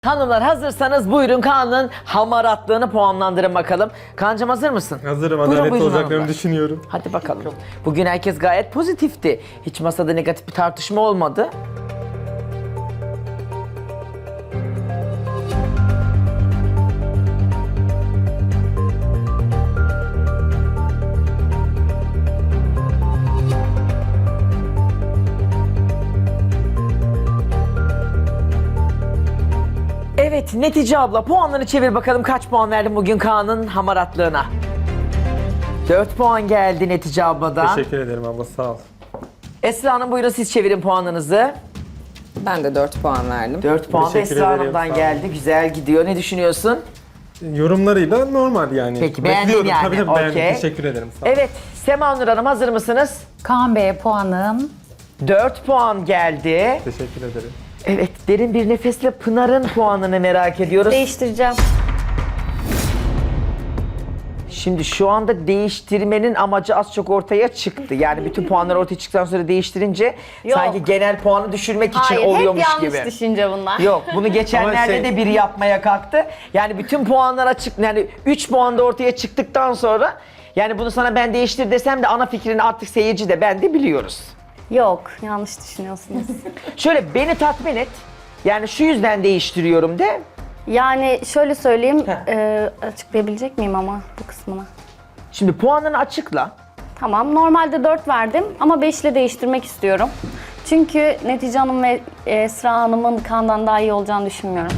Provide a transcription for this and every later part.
Hanımlar hazırsanız buyurun Kaan'ın hamaratlığını puanlandırın bakalım. Kaan'cığım hazır mısın? Hazırım, Buyurun, adaletli buyurun olacaklarını hanımlar. düşünüyorum. Hadi bakalım. Bugün herkes gayet pozitifti. Hiç masada negatif bir tartışma olmadı. Evet, Netice abla puanlarını çevir bakalım kaç puan verdin bugün Kaan'ın hamaratlığına? 4 puan geldi Netice abladan. Teşekkür ederim abla, sağ ol. Esra Hanım buyurun siz çevirin puanınızı. Ben de 4 puan verdim. 4 puan da Teşekkür Esra ederim, Hanım'dan sağ olun. geldi. Güzel gidiyor. Ne düşünüyorsun? Yorumlarıyla normal yani. Peki, beğendin Bekliyorum. yani, Tabii tabii beğendim. okey. Teşekkür ederim, sağ ol. Evet, Sema Nur Hanım hazır mısınız? Kaan Bey'e puanım 4 puan geldi. Teşekkür ederim. Evet, derin bir nefesle Pınar'ın puanını merak ediyoruz. Değiştireceğim. Şimdi şu anda değiştirmenin amacı az çok ortaya çıktı. Yani bütün puanlar ortaya çıktıktan sonra değiştirince Yok. sanki genel puanı düşürmek için Hayır, hep oluyormuş yanlış gibi. düşünce bunlar. Yok, bunu geçenlerde Ama şey- de biri yapmaya kalktı. Yani bütün puanlar açık, yani 3 puan da ortaya çıktıktan sonra yani bunu sana ben değiştir desem de ana fikrini artık seyirci de ben de biliyoruz. Yok, yanlış düşünüyorsunuz. Şöyle beni tatmin et. Yani şu yüzden değiştiriyorum de. Yani şöyle söyleyeyim, Heh. açıklayabilecek miyim ama bu kısmını? Şimdi puanını açıkla. Tamam, normalde 4 verdim ama 5 ile değiştirmek istiyorum. Çünkü Netice Hanım ve Esra Hanım'ın Kaan'dan daha iyi olacağını düşünmüyorum.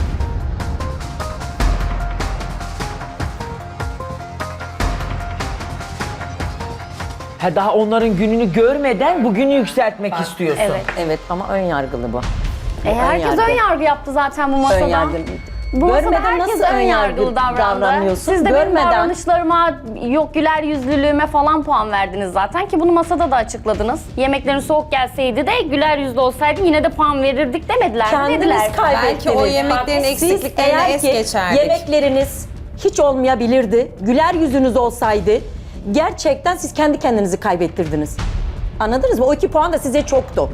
Ha, daha onların gününü görmeden bugünü yükseltmek istiyorsun. Evet. Evet ama ön yargılı bu. Herkes yargı. ön yargı yaptı zaten bu masada. Ön yargılı. Bu masada Görmeden herkes nasıl ön ön yargılı yargı davrandı. davranıyorsun? Siz de benim Görmeden. davranışlarıma, yok güler yüzlülüğüme falan puan verdiniz zaten ki bunu masada da açıkladınız. Yemeklerin soğuk gelseydi de güler yüzlü olsaydı yine de puan verirdik demediler. Kendiniz Dediler. kaybettiniz. Belki o yemeklerin Bak, eksikliklerini siz eğer es ki geçerdik. yemekleriniz hiç olmayabilirdi, güler yüzünüz olsaydı gerçekten siz kendi kendinizi kaybettirdiniz. Anladınız mı? O 2 puan da size çoktu.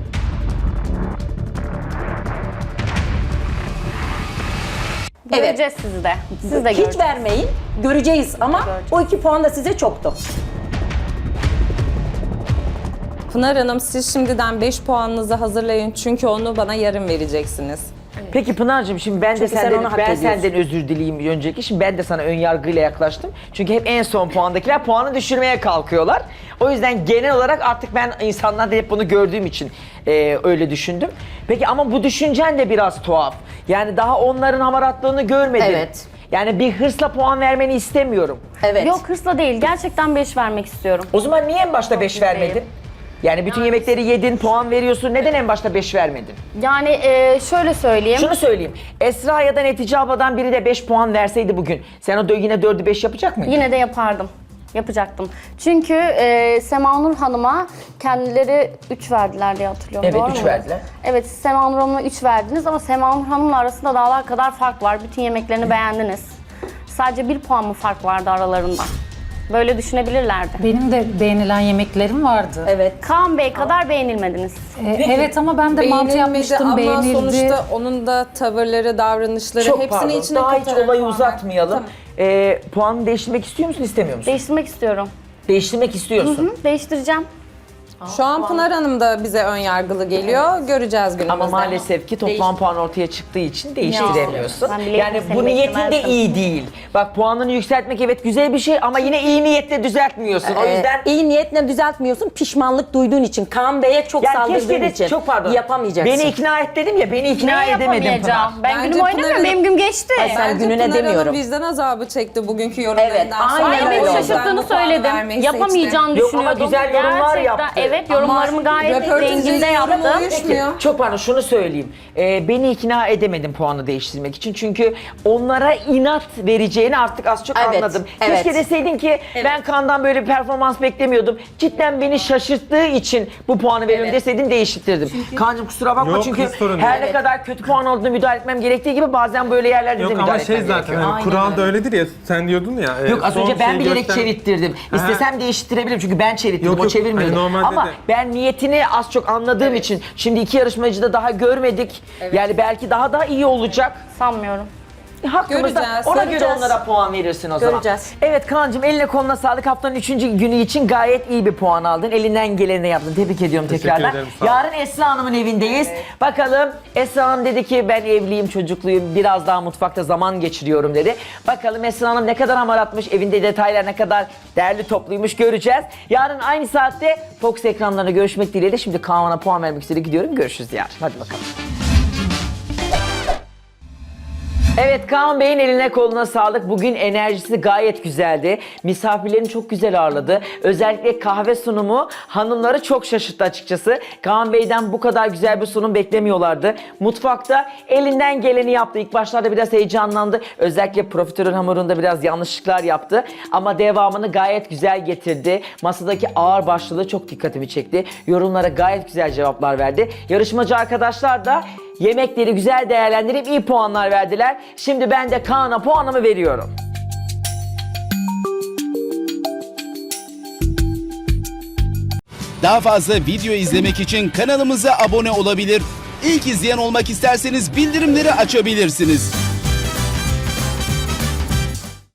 Göreceğiz sizi de. Siz de Hiç göreceğiz. vermeyin, göreceğiz ama o 2 puan da size çoktu. Pınar Hanım, siz şimdiden 5 puanınızı hazırlayın çünkü onu bana yarın vereceksiniz. Peki Pınar'cığım şimdi ben de Çünkü sen senden, onu hak ben ediyorsun. senden özür dileyeyim önceki. Şimdi ben de sana ön yargıyla yaklaştım. Çünkü hep en son puandakiler puanı düşürmeye kalkıyorlar. O yüzden genel olarak artık ben insanlarda hep bunu gördüğüm için öyle düşündüm. Peki ama bu düşüncen de biraz tuhaf. Yani daha onların hamaratlığını görmedin. Evet. Yani bir hırsla puan vermeni istemiyorum. Evet. Yok hırsla değil. Gerçekten 5 vermek istiyorum. O zaman niye en başta 5 mutluyum. vermedin? Yani bütün yemekleri yedin, puan veriyorsun. Neden en başta 5 vermedin? Yani şöyle söyleyeyim. Şunu söyleyeyim. Esra ya da Netice abladan biri de 5 puan verseydi bugün. Sen o yine 4'ü 5 yapacak mıydın? Yine de yapardım. Yapacaktım. Çünkü Sema Nur Hanım'a kendileri 3 verdiler diye hatırlıyorum. Evet, doğru 3 mu? verdiler. Evet, siz Sema Nur Hanım'a 3 verdiniz ama Sema Nur Hanım'la arasında dağlar kadar fark var. Bütün yemeklerini beğendiniz. Sadece 1 puan mı fark vardı aralarında? Böyle düşünebilirlerdi. benim de beğenilen yemeklerim vardı. Evet. Kaan Bey kadar beğenilmediniz. Evet ama ben de mantı Beğenilmedi yapmıştım, ama beğenildi. sonuçta onun da tavırları, davranışları Çok hepsini pardon. içine Daha hiç katarak olayı puan uzatmayalım. Puanını değiştirmek istiyor musun, istemiyor musun? Değiştirmek istiyorum. Değiştirmek istiyorsun. Hı, değiştireceğim. Şu an Pınar Hanım da bize ön yargılı geliyor. Göreceğiz günümüzde. Ama maalesef ki toplam puan ortaya çıktığı için değiştiremiyorsun. Ben bileydim Yani seni bu niyetin de beklemezdim. iyi değil. Bak puanını yükseltmek evet güzel bir şey ama yine iyi niyetle düzeltmiyorsun. O yüzden iyi niyetle düzeltmiyorsun, pişmanlık duyduğun için. Kaan Bey'e çok yani saldırdığın keşke de için. çok pardon. Yapamayacaksın. Beni ikna et dedim ya, beni ikna Neyi edemedim Pınar. yapamayacağım? Ben Bence günüm oynamıyorum, Pınar benim gün geçti. Ay, sen Bence gününe Pınar demiyorum. Hanım vicdan azabı çekti bugünkü yorumlarından Evet, sonra. aynen Hayır, öyle beni oldu. şaşırttığını Ben bu puanı söyledim. vermeyi Yapamayacağını Yok ama düşünüyordum. güzel yorumlar Gerçekten, yaptı. evet, yorumlarımı gayet röportajın denginde yorumu yaptım. uyuşmuyor. Çok pardon şunu söyleyeyim. Beni ikna edemedim puanı değiştirmek için. Çünkü onlara inat vereceğini artık az çok Evet, anladım. evet. Keşke deseydin ki ben Kaan'dan böyle bir performans beklemiyordum. Cidden beni şaşırttığı için bu puanı veriyorum deseydin değiştirdim. Kaan'cığım kusura bakma Yok, çünkü hiç sorun her değil. ne kadar kötü puan olduğunu müdahale etmem gerektiği gibi bazen böyle yerlerde de Yok müdahale ama şey etmem zaten gerekiyor. hani kural da öyledir ya, sen diyordun ya. Yok az son önce ben şeyi bilerek göster- çevirttirdim. İstesem değiştirebilirim çünkü ben çevirttirdim, Yok, o yok. çevirmiyordu. Hani normalde ama de. ben niyetini az çok anladığım için şimdi iki yarışmacı da daha görmedik. Yani belki daha da iyi olacak. Sanmıyorum. Hakkımızda Göreceğiz, ona göre göreceğiz. onlara puan verirsin o zaman. Göreceğiz. Evet Kaan'cığım eline koluna sağlık. Haftanın 3. günü için gayet iyi bir puan aldın. Elinden geleni yaptın. Tebrik ediyorum Teşekkür tekrardan. ederim, sağ ol. Yarın Esra Hanım'ın evindeyiz. Bakalım Esra Hanım dedi ki ben evliyim, çocukluyum, biraz daha mutfakta zaman geçiriyorum dedi. Bakalım Esra Hanım ne kadar hamaratmış, evinde detaylar ne kadar değerli topluymuş göreceğiz. Yarın aynı saatte Fox ekranlarında görüşmek dileğiyle. Şimdi Kaan'a puan vermek üzere gidiyorum. Görüşürüz yarın. Hadi bakalım. Evet Kaan Bey'in eline koluna sağlık. Bugün enerjisi gayet güzeldi. Misafirlerini çok güzel ağırladı. Özellikle kahve sunumu hanımları çok şaşırttı açıkçası. Kaan Bey'den bu kadar güzel bir sunum beklemiyorlardı. Mutfakta elinden geleni yaptı. İlk başlarda biraz heyecanlandı. Özellikle profiterol hamurunda biraz yanlışlıklar yaptı. Ama devamını gayet güzel getirdi. Masadaki ağır başlılığı çok dikkatimi çekti. Yorumlara gayet güzel cevaplar verdi. Yarışmacı arkadaşlar da yemekleri güzel değerlendirip iyi puanlar verdiler. Şimdi ben de Kaan'a puanımı veriyorum. Daha fazla video izlemek için kanalımıza abone olabilir. İlk izleyen olmak isterseniz bildirimleri açabilirsiniz.